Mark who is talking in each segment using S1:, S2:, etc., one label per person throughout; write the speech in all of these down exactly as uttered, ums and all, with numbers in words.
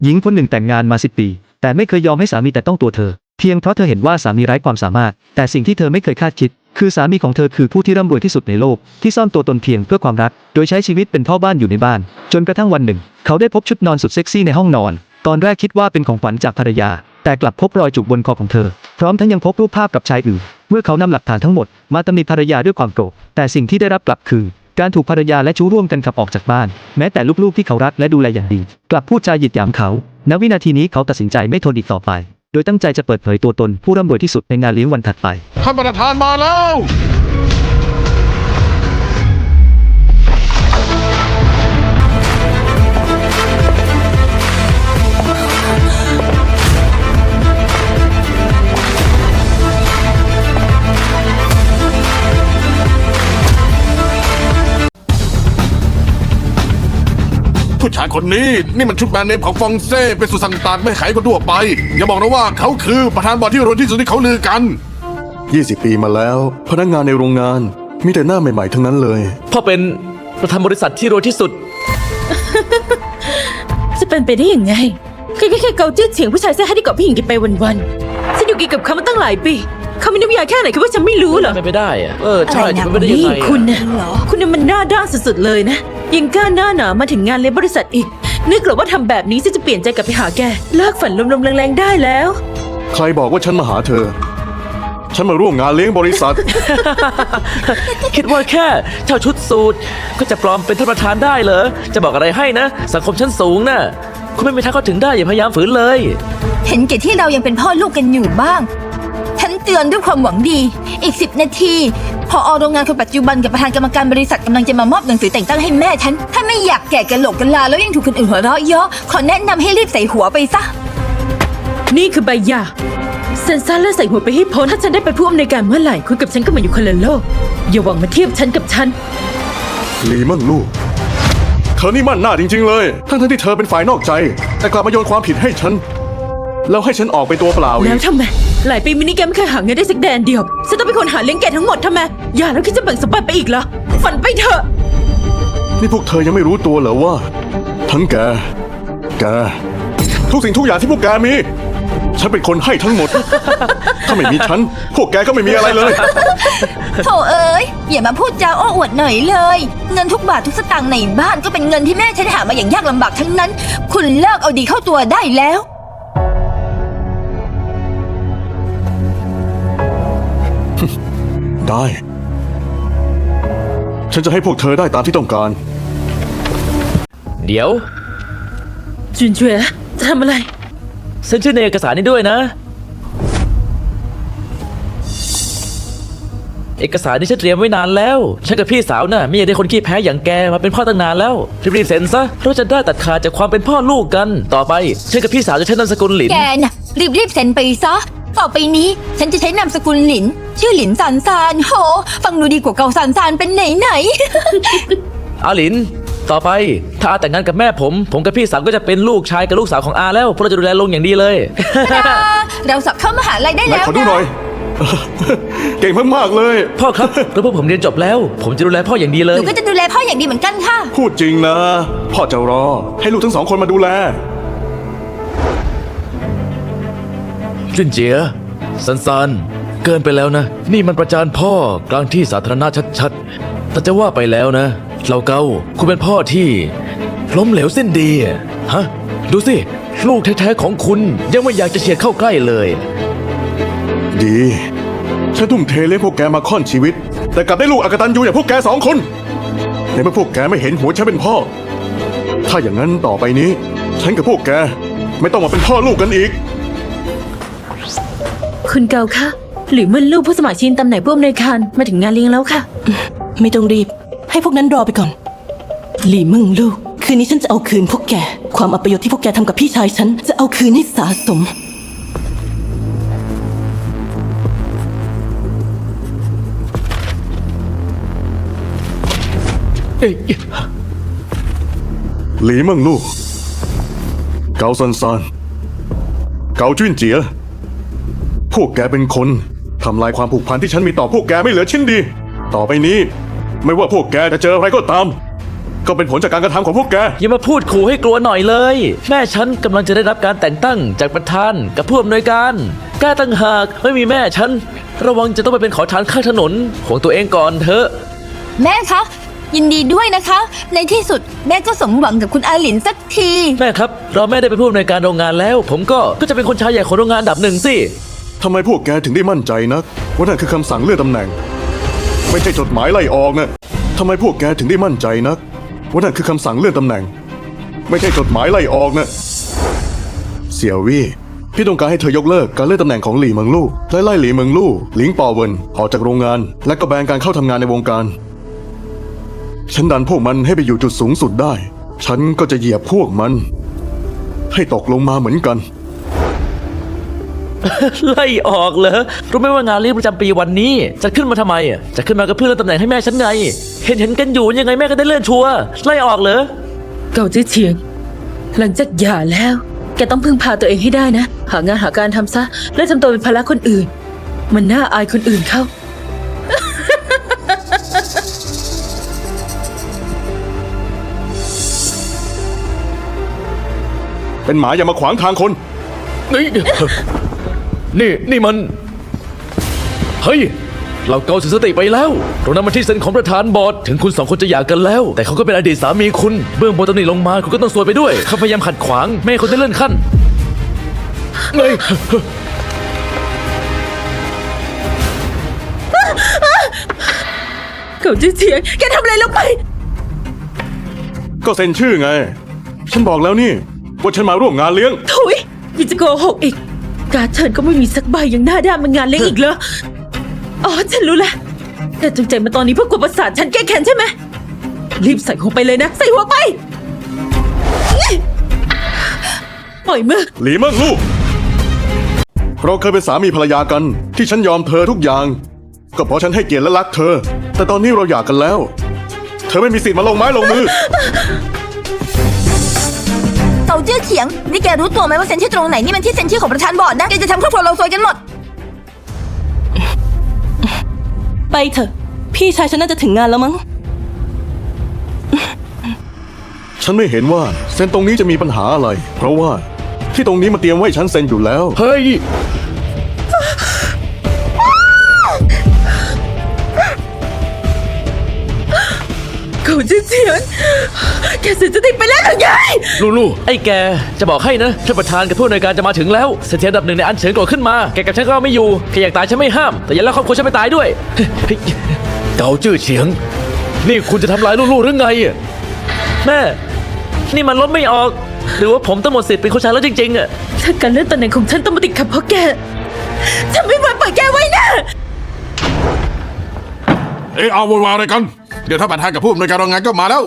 S1: หญิงคนหนึ่งแต่งงานมาสิบปีแต่ไม่เคยยอมให้สามีแต่ต้องตัวเธอเพียงเพราะเธอเห็นว่าสามีไร้ความสามารถแต่สิ่งที่เธอไม่เคยคาดคิดคือสามีของเธอคือผู้ที่ร่ำรวยที่สุดในโลกที่ซ่อนตัวตนเพียงเพื่อความรักโดยใช้ชีวิตเป็นพ่อบ้านอยู่ในบ้านจนกระทั่งวันหนึ่งเขาได้พบชุดนอนสุดเซ็กซี่ในห้องนอนตอนแรกคิดว่าเป็นของขวัญจากภรรยาแต่กลับพบรอยจุกบนคอของเธอพร้อมทั้งยังพบรูปภาพกับชายอื่นเมื่อเขานำหลักฐานทั้งหมดมาตำหนิภรรยาด้วยความโกรธแต่สิ่งที่ได้รับกลับคือการถูกภรรยาและชู้ร่วมกันขับออกจากบ้านแม้แต่ลูกๆที่เขารักและดูแลอย่างดีกลับพูดจาหยิดหยามเขาณวินาทีนี้เขาตัดสินใจไม่ทนอีกต่อไปโดยตั้งใจจะเปิดเผยตัวตนผู้ร่ำรวยที่สุดในงานเลี้ยงวันถัดไป
S2: ท่านประธานมาแล้ว ผู้ชายคนนี้นี่มันชุดแบรนด์เนมของฟองเซ่เป็นสุดสั่งต่างไม่ขายคนทั่วไปอย่าบอกนะว่าเขาคือประธานบอร์ดที่รวยที่สุดที่เขาลือกัน
S3: ยี่สิบปีมาแล้วพนักงานในโรงงานมีแต่หน้าใหม่ๆทั้งนั้นเลย
S4: พ่อเป็นประธานบริษัทที่รวยที่สุด
S5: จะเป็นไปได้ยังไงแค่แค่แค่เกาจื้อเฉียงผู้ชายเสื้อให้ที่เกาะผู้หญิงกินไปวันๆฉันอยู่กินกับเขามาตั้งหลายปีเขามีน้ำยาแค่ไหนคิดว่าฉันไม่รู้เหรอ
S4: ไม่ไปได้อะเออใช่จะไม่ได้ยังไง
S5: คุณนะคุณน่ะมันหน้าด้านสุดๆเลยนะยังกล้าหน้าหนามาถึงงานเลี้ยงบริษัทอีกนึกหรอว่าทำแบบนี้ฉันจะเปลี่ยนใจกลับไปหาแกเลิกฝันลมๆแรงๆได้แล้ว
S3: ใครบอกว่าฉันมาหาเธอฉันมาร่วมงานเลี้ยงบริษัท
S4: คิดว่าแค่เช่าชุดสูทก็จะปลอมเป็นท่านประธานได้เหรอจะบอกอะไรให้นะสังคมชั้นสูงน่ะคุณไม่มีทางเข้าถึงได้อย่าพยายามฝืนเลย
S6: เห็นแก่ที่เรายังเป็นพ่อลูกกันอยู่บ้างฉันเตือนด้วยความหวังดีอีกสิบนาทีพออโรงงานคนปัจจุบันกับประธานกรรมการบริษัทกำลังจะมามอบหนังสือแต่งตั้งให้แม่ฉันถ้าไม่อยากแก่กะโหลกกะลาแล้วยังถูกคนอื่นหัวเราะเยาะขอแนะนำให้รีบใส่หัวไปซะ
S5: นี่คือใบหย่าเซ็นซ่าและใส่หัวไปให้พ้นถ้าฉันได้เป็นผู้อำนวยการเมื่อไหร่คุณกับฉันก็เหมือนอยู่คนละโลกอย่าหวังมาเทียบฉันกับฉัน
S3: หลีมั่นลูกเธอนี่มั่นหน้าจริงๆเลยทั้งๆที่เธอเป็นฝ่ายนอกใจแต่กลับมาโยนความผิดให้ฉันแล้วให้ฉันออกไปตัวเปล่าอีก
S5: แล้วทำไมหลายปีมินิแกไม่เคยหาเงินได้สักแดนเดียวฉันต้องเป็นคนหาเลี้ยงแกทั้งหมดทำไมอย่าแล้วคิดจะแบ่งสมบัติไปอีกเหรอฝันไปเถอะ
S3: นี่พวกเธอยังไม่รู้ตัวเหรอว่าทั้งแกแกทุกสิ่งทุกอย่างที่พวกแกมีฉันเป็นคนให้ทั้งหมด ถ้าไม่มีฉันพวกแกก็ไม่มีอะไรเลย
S6: โธ่เอ๋ยอย่ามาพูดจาอ้ออวดหน่อยเลยเงินทุกบาททุกสตางค์ในบ้านก็เป็นเงินที่แม่ฉันหามาอย่างยากลำบากทั้งนั้นคุณเลิกเอาดีเข้าตัวได้แล้ว
S3: ได้ฉันจะให้พวกเธอได้ตามที่ต้องการ
S4: เดี๋ยว
S5: จุนเฉวยจะทำอะไร
S4: เซ็นชื่อในเอกสารนี้ด้วยนะเอกสารนี้ฉันเตรียมไว้นานแล้วฉันกับพี่สาวน่ะไม่อยากได้คนขี้แพ้อย่างแกมาเป็นพ่อตั้งนานแล้วรีบๆเซ็นซะเราจะได้ตัดขาดจากความเป็นพ่อลูกกันต่อไปฉันกับพี่สาวจะใช้นามสกุลหลิน
S6: แกน่ะรีบๆเซ็นไปซะต่อไปนี้ฉันจะใช้นามสกุลหลินชื่อหลินซานซานโหฟังดูดีกว่าเกาซานซานเป็นไหนไหน
S4: อาหลินต่อไปถ้าอาแต่งงานกับแม่ผมผมกับพี่สาวก็จะเป็นลูกชายกับลูกสาวของอาแล้วพวกเราจะดูแลลงอย่างดีเลย
S6: เราสอบเข้ามหาลัยได้แล้ว
S3: ขอดูหน่อย เก่งมากๆเลย
S4: พ่อครับแล้วพวกผมเรียนจบแล้วผมจะดูแลพ่ออย่างดีเลย
S6: หนูก็จะดูแลพ่ออย่างดีเหมือนกันค่ะ
S3: พูดจริงนะพ่อจะรอให้ลูกทั้งสองคนมาดูแล
S4: จุนเจียซันซันเกินไปแล้วนะนี่มันประจานพ่อกลางที่สาธารณะชัดๆแต่จะว่าไปแล้วนะเราเกาคุณเป็นพ่อที่ล้มเหลวเส้นดีฮะดูสิลูกแท้ๆของคุณยังไม่อยากจะเฉียดเข้าใกล้เลย
S3: ดีฉันทุ่มเทเลี้ยงพวกแกมาค่อนชีวิตแต่กลับได้ลูกอกตัญญูอย่างพวกแกสองคนในเมื่อพวกแกไม่เห็นหัวฉันเป็นพ่อถ้าอย่างนั้นต่อไปนี้ฉันกับพวกแกไม่ต้องมาเป็นพ่อลูกกันอีก
S5: คุณเกาคะหรือมันลูกผู้สมัครชิงตำแหน่งผู้อำนวยการมาถึงงานเลี้ยงแล้วค่ะ
S7: ไม่ต้องรีบให้พวกนั้นรอไปก่อนหลี่มึงลูกคืนนี้ฉันจะเอาคืนพวกแกความอัปยศที่พวกแกทำกับพี่ชายฉันจะเอาคืนให้สะสม
S3: หลีมั่งลูกเกาซันซานเกาจุ้นเจียพวกแกเป็นคนทำลายความผูกพันที่ฉันมีต่อพวกแกไม่เหลือชิ้นดีต่อไปนี้ไม่ว่าพวกแกจะเจออะไรก็ตามก็เป็นผลจากการกระทำของพวกแก
S4: อย่ามาพูดขู่ให้กลัวหน่อยเลย แม่ฉันกำลังจะได้รับการแต่งตั้งจากประธานกับผู้อำนวยการกล้าตั้งหากไม่มีแม่ฉันระวังจะต้องไปเป็นขอทานข้างถนนของตัวเองก่อนเถอะ
S6: แม่คะ ยินดีด้วยนะคะ ในที่สุดแม่ก็สมหวังกับคุณอาหลินสักที
S4: แม่ครับเราแม่ได้เป็นผู้อำนวยการโรงงานแล้ว ผมก็ก็จะเป็นคนชายใหญ่ของโรงงานอันดับหนึ่งสิ
S3: ทำไมพวกแกถึงได้มั่นใจนักว่านั่นคือคำสั่งเลื่อนตำแหน่ง ไม่ใช่จดหมายไล่ออกนะทำไมพวกแกถึงได้มั่นใจนักว่านั่นคือคำสั่งเลื่อนตำแหน่ง ไม่ใช่จดหมายไล่ออกนะเสี่ยววี่พี่ต้องการให้เธอยกเลิกการเลื่อนตำแหน่งของหลี่เมิงลู่และไล่หลี่เมิงลู่หลิงปอเวินออกจากโรงงาน และก็แบนการเข้าทำงานในวงการฉันดันพวกมันให้ไปอยู่จุดสูงสุดได้ ฉันก็จะเหยียบพวกมัน ให้ตกลงมาเหมือนกัน
S4: ไล่ออกเหรอรู้ไหมว่างานเลี้ยงประจำปีวันนี้จะขึ้นมาทำไมอ่ะจะขึ้นมาก็เพื่อเลื่อนตำแหน่งให้แม่ฉันไง เห็นเห็นกันอยู่ยังไงแม่ก็ได้เลื่อนชัวร์ไล่ออกเหรอ
S5: เก่าจื้อเฉียง หลังจากหย่าแล้ว แกต้องพึ่งพาตัวเองให้ได้นะ หางานหาการทำซะ และทำตัวเป็นภาระคนอื่น มันน่าอายคนอื่นเข้า
S3: เป็นหมาอย่ามาขวางทางคน
S4: นี่ นี่ นี่มัน เฮ้ย เราเกาเสียสติไปแล้วตรงนั้นมันที่เซ็นของประธานบอร์ด ถึงคุณสองคนจะหย่ากันแล้ว แต่เขาก็เป็นอดีตสามีคุณ เบื้องบนตำหนิลงมาคุณก็ต้องซวยไปด้วย เขาพยายามขัดขวางไม่ให้คุณได้เลื่อนขั้นเฮ้ย
S5: เก่าจื้อเฉียง แกทำอะไรลงไป
S3: ก็เซ็นชื่อไง ฉันบอกแล้วนี่ว่าฉันมาร่วมงานเลี้ยง
S5: ถุยยังจะโกหกอีก การดเชิญก็ไม่มีสักใบยังหน้าด้านมางานเลี้ยงอีกเหรอ อ๋อ ฉันรู้แล้วแต่จงใจมาตอนนี้เพื่อกดประสาทฉันแก้แค้นใช่ไหม รีบใส่หัวไปเลยนะ ใส่หัวไป ปล่อยมือ
S3: หลีเมิ่งลู่เราเคยเป็นสามีภรรยากันที่ฉันยอมเธอทุกอย่าง ก็เพราะฉันให้เกียรติและรักเธอ แต่ตอนนี้เราหย่ากันแล้ว เธอไม่มีสิทธิ์มาลงไม้ลงมือ
S6: เกาจื้อเฉียง นี่แกรู้ตัวไหมว่าเซ็นชื่อตรงไหนนี่มันที่เซ็นชื่อของประธานบอร์ดนะ แกจะทำครอบครัวเราซวยกันหมด
S7: ไปเถอะ พี่ชายฉันน่าจะถึงงานแล้วมั้ง
S3: ฉันไม่เห็นว่าเซ็นตรงนี้จะมีปัญหาอะไร เพราะว่าที่ตรงนี้มาเตรียมไว้ให้ฉันเซ็นอยู่แล้ว
S4: เฮ้ย
S5: เก่าจื้อเฉียง แกเสียสติไปแล้วหรือไง
S4: ลูลูไอ้แกจะบอกให้นะท่านประธานกับผู้อำนวยการจะมาถึงแล้วเสถียรอันดับหนึ่งในอันเฉินโกรธขึ้นมาแกกับฉันก็ไม่อยู่แกอยากตายฉันไม่ห้ามแต่อย่าแล้วครอบครัวฉันไม่ตายด้วย เกาจื้อเฉียง นี่คุณจะทำลายลูลูหรือไงอะแม่นี่มันลบไม่ออก หรือว่าผมต้องหมดสิทธิ์เป็นคนชายแล้วจริงๆอะ
S5: ถ้าการเลื่อนตำแหน่งของฉันต้องมาติดขัดเพราะแก ฉันไม่มาปล่อยแกไว้นะ
S2: เอ๊ะเอาวนวายอะไรกัน เดี๋ยวถ้าประธานกับผู้อำนวยการโรงงานก็มาแล้ว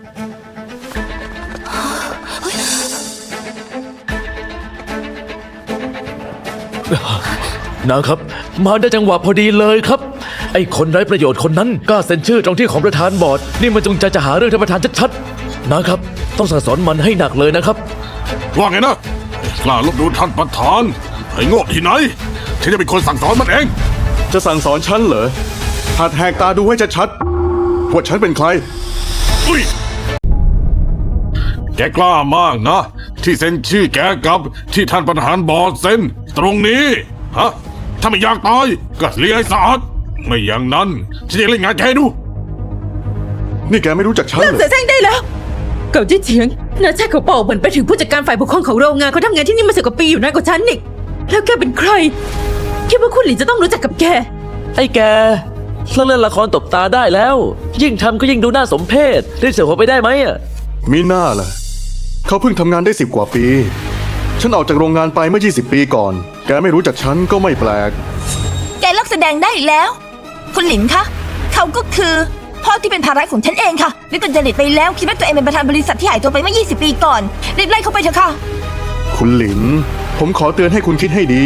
S4: นะครับมาได้จังหวะพอดีเลยครับ ไอ้คนไร้ประโยชน์คนนั้นกล้าเซ็นชื่อตรงที่ของประธานบอร์ดนี่มันจงใจจะหาเรื่องท่านประธานชัดๆนะครับต้องสั่งสอนมันให้หนักเลยนะครับ
S2: ว่าไงนะกล้าลบดูท่านประธานไอ้โง่ที่ไหนฉันจะเป็นคนสั่งสอนมันเอง
S3: จะสั่งสอนฉันเหรอหัดแหกตาดูให้ชัดๆว่าฉันเป็นใคร
S2: อุ้ยแกกล้ามากนะ ที่เซ็นชื่อแกกับที่ท่านประธานบอร์ดเซ็นตรงนี้ฮะถ้าไม่อยากตายก็เลี้ยงให้สะอาดไม่อย่างนั้นฉันจะเล่นงานแกให้ดู
S3: นี่แกไม่รู้จักฉัน
S5: เลิก
S3: เหร
S5: เสี
S3: อย
S5: แซงได้แล้ว เก่าจื้อเฉียงนาชาติเขาเป่าเหมือนไปถึงผู้จัดการฝ่ายปกครองของโรงงานเขาทำงานที่นี่มาสิบกว่าปีอยู่นานกว่าฉันอีกแล้วแกเป็นใครคิดว่าคุณหลินจะต้องรู้จักกับแก
S4: ไอ้แกเลิกเล่นละครตบตาได้แล้ว ยิ่งทำก็ยิ่งดูน่าสมเพชรีบเสียหัวไปได้ไหมอะ
S3: มีหน้าล่ะเขาเพิ่งทำงานได้สิบกว่าปี ฉันออกจากโรงงานไปเมื่อยี่สิบปีก่อน แกไม่รู้จักฉันก็ไม่แปลก
S6: แกเลิกแสดงได้แล้ว คุณหลินคะ เขาก็คือพ่อที่เป็นภาระของฉันเองค่ะวิกลจริตไปแล้วคิดว่าตัวเองเป็นประธานบริษัทที่หายตัวไปเมื่อยี่สิบปีก่อนรีบไล่เขาไปเถอะค่ะ
S3: คุณหลิน ผมขอเตือนให้คุณคิดให้ดี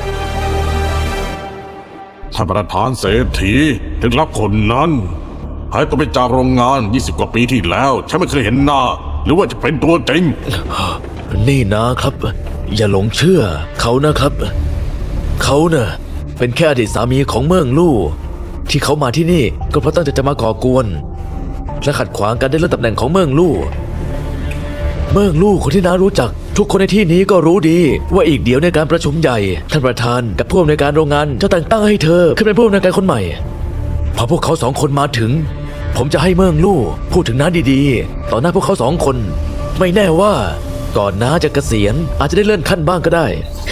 S2: ท่านประธานเศรษฐีถึงรับคนนั้นหายตัวไปจากโรงงานยี่สิบกว่าปีที่แล้วฉันไม่เคยเห็นหน้า หรือว่าจะเป็นตัวจริง
S4: นี่นะครับ อย่าหลงเชื่อเขานะครับ เขาเน่ะเป็นแค่อดีตสามีของเมืองลู่ที่เขามาที่นี่ก็เพราะตั้งใจจะมาก่อกวนและขัดขวางการได้เลื่อนตำแหน่งของเมืองลู่เมืองลู่คนที่น้ารู้จัก ทุกคนในที่นี้ก็รู้ดี ว่าอีกเดี๋ยวในการประชุมใหญ่ท่านประธานกับผู้อำนวยการโรงงานจะแต่งตั้งให้เธอขึ้นเป็นผู้อำนวยการคนใหม่ พอพวกเขาสองคนมาถึง ผมจะให้เมืองลู่พูดถึงน้าดีๆต่อหน้าพวกเขาสองคน ไม่แน่ว่าก่อนน้าจะเกษียณอาจจะได้เลื่อนขั้นบ้างก็ได้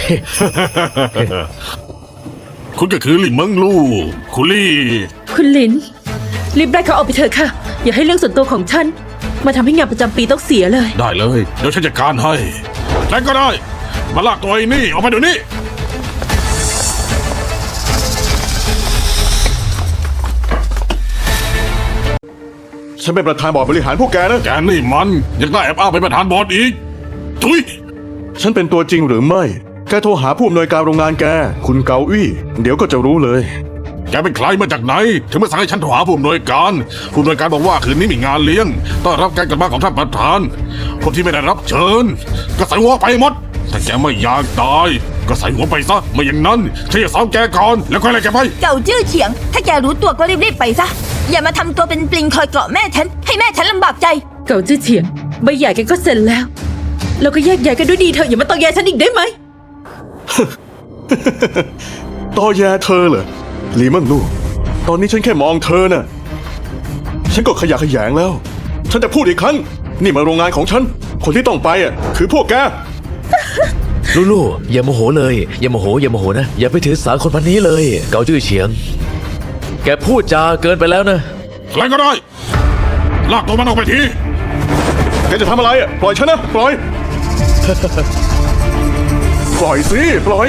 S2: คุณก็คือหลิงเมิงลู่คุณลี่
S5: คุณลินรีบไล่เขาออกไปเถอะค่ะ อย่าให้เรื่องส่วนตัวของฉันมาทำให้งานประจำปีต้องเสียเลย
S2: ได้เลย เดี๋ยวฉันจัดการให้ใครก็ได้ มาลากตัวไอ้นี่ออกไปเดี๋ยวนี้
S3: ฉันเป็นประธานบอร์ดบริหารพวกแกนะ
S2: แกนี่มันยังได้แอบอ้างเป็นประธานบอร์ดอีกทุย
S3: ฉันเป็นตัวจริงหรือไม่ แกโทรหาผู้อำนวยการโรงงานแก คุณเกาอี้เดี๋ยวก็จะรู้เลย
S2: แกเป็นใครมาจากไหน ถึงมาสั่งให้ฉันโทรหาผู้อำนวยการ ผู้อำนวยการบอกว่าคืนนี้มีงานเลี้ยงต้อนรับการกลับมาของท่านประธานคนที่ไม่ได้รับเชิญ ก็ใส่หัวไปหมด ถ้าแกไม่อยากตาย ก็ใส่หัวไปซะไม่อย่างนั้นฉันจะสาวแกก่อนแล้วค่อยไล่แกไป
S6: เก่าจื้อเฉียง ถ้าแกรู้ตัวก็รีบๆไปซะ อย่ามาทำตัวเป็นปลิงคอยเกาะแม่ฉัน ให้แม่ฉันลำบากใจ
S5: เก่าจื้อเฉียงใบใหญ่แกก็เสร็จแล้ว แล้วก็แยกย้ายกันด้วยดีเถอะอย่ามาตอแยฉันอีกได้ไหม
S3: ตอแยเธอเหรอหลีเมิงลู่ตอนนี้ฉันแค่มองเธอน่ะ ฉันก็ขยะแขยงแล้ว ฉันจะพูดอีกครั้ง นี่มาโรงงานของฉัน คนที่ต้องไปอ่ะคือพวกแก
S4: ลูลูอย่าโมโหเลยอย่าโมโหอย่าโมโหนะอย่าไปถือสาคนพันนี้เลย เกาจื้อเฉียง แกพูดจาเกินไปแล้วนะ
S2: ใครก็ได้ ลากตัวมันออกไปที
S3: แกจะทำอะไรอ่ะ ปล่อยฉันนะ ปล่อย ปล่อยสิ ปล่อย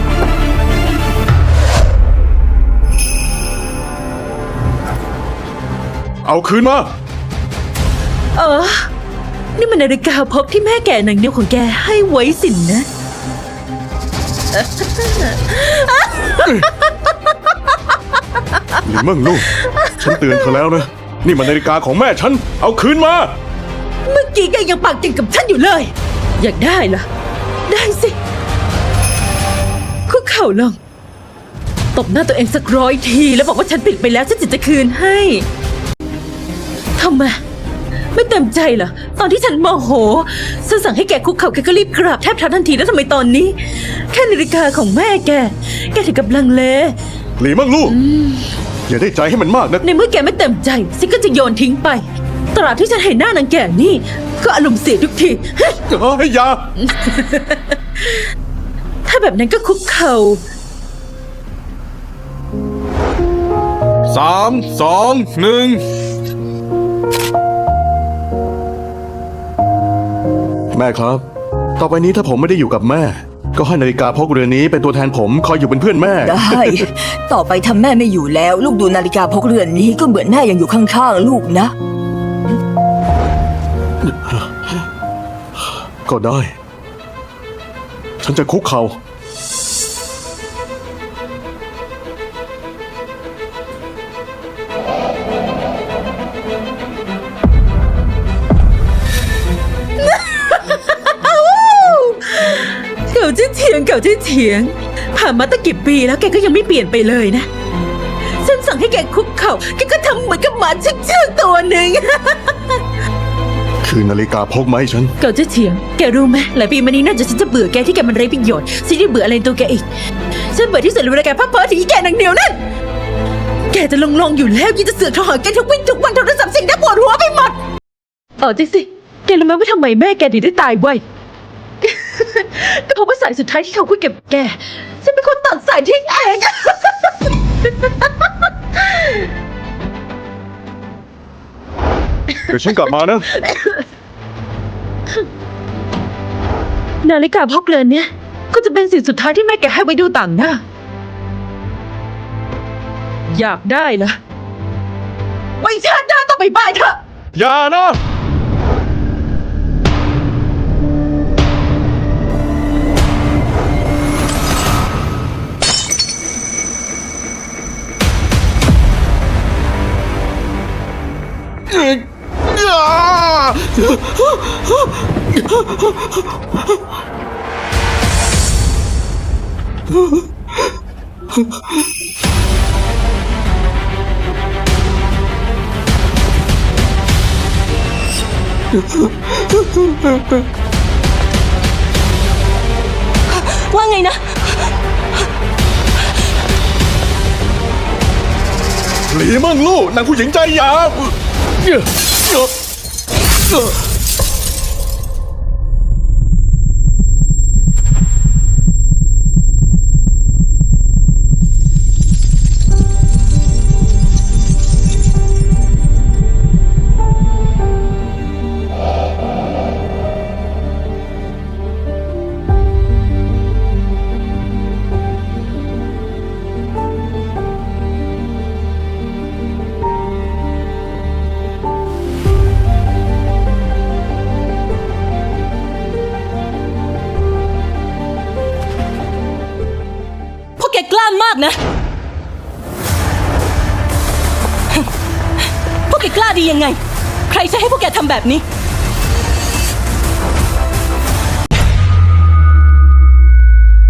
S3: เอาคืนมา
S5: เออ นี่มันนาฬิกาพกที่แม่แก่นางเดียวของแกให้ไว้สินนะ
S3: หลีเมิงลู่ฉันเตือนเธอแล้วนะ นี่มันนาฬิกาของแม่ฉัน เอาคืนมา
S5: เมื่อกี้แกยังปากเก่งกับฉันอยู่เลย อยากได้เหรอ ได้สิคุกเข่าลง ตบหน้าตัวเองสักร้อยที แล้วบอกว่าฉันผิดไปแล้วฉันจะจะคืนให้ทำไมไม่เต็มใจเหรอ ตอนที่ฉันโมโหฉันสั่งให้แกคุกเข่าแกก็รีบกราบแทบเท้าทันทีแล้วทำไมตอนนี้ แค่นาฬิกาของแม่แก แกถึงกับลังเล
S3: หลีเมิงลู่อย่าได้ใจให้มันมากนะ
S5: ในเมื่อแกไม่เต็มใจฉันก็จะโยนทิ้งไป ตราบที่ฉันเห็นหน้านางแก่นี่ ก็อารมณ์เสียทุกที
S3: เฮ้ยอยา
S5: ถ้าแบบนั้นก็คุกเข่า
S2: สามสองหนึ่ง
S3: แม่ครับ ต่อไปนี้ถ้าผมไม่ได้อยู่กับแม่ ก็ให้นาฬิกาพกเรือนนี้เป็นตัวแทนผมคอยอยู่เป็นเพื่อนแม่
S6: ได้ ต่อไปทำแม่ไม่อยู่แล้ว ลูกดูนาฬิกาพกเรือนนี้ก็เหมือนแม่ยังอยู่ข้างๆลูกนะ
S3: ก็ได้ ฉันจะคุกเขา่า
S5: เก่าที่เถียงเก่าที่เถียง ผ่านมาตั้งกี่ปีแล้วแกก็ยังไม่เปลี่ยนไปเลยนะ ฉันสั่งให้แกคุกเข่าแกก็ทำเหมือนกับหมาเชื่องๆตัวหนึ่ง
S3: คือนาฬิกาพกมาให้ฉัน
S5: เก่าที่เถียง แกรู้ไหมหลายปีมานี้น่าจะฉันจะเบื่อแกที่แกมันไร้ประโยชน์ฉันได้เบื่ออะไรในตัวแกอีก ฉันเบื่อที่สุดเลยเวลาแกพักเพ้อถึงอีแกนางเดียวนั่น แกจะลงลงๆอยู่แล้วยังจะเสือกโทรหาแกทุกวันทุกวันโทรศัพท์เสิ่งน่าปวดหัวไปหมดเออจริงสิแกรู้ไหมว่าทำไมแม่แกถึงได้ตายไว ก็เพราะว่าสายสุดท้ายที่เขาคุยกับแก ฉันเป็นคนตัดสายทิ้งเอง
S3: เดี๋ยวฉันกลับมานะ
S5: นาฬิกาพกเรือนเนี่ยก็จะเป็นสิ่งสุดท้ายที่แม่แกให้ไว้ดูต่างหน้า อยากได้เหรอไว้ชาติหน้าต้องไปบายเถอะ
S3: อย่านะ
S2: เ
S7: ว่าไงนะ
S3: หลีเมิงลู่นางผู้หญิงใจหยาบ
S7: พวกแกกล้ามากนะ พวกแกกล้าดียังไง ใครใช้ให้พวกแกทำแบบนี้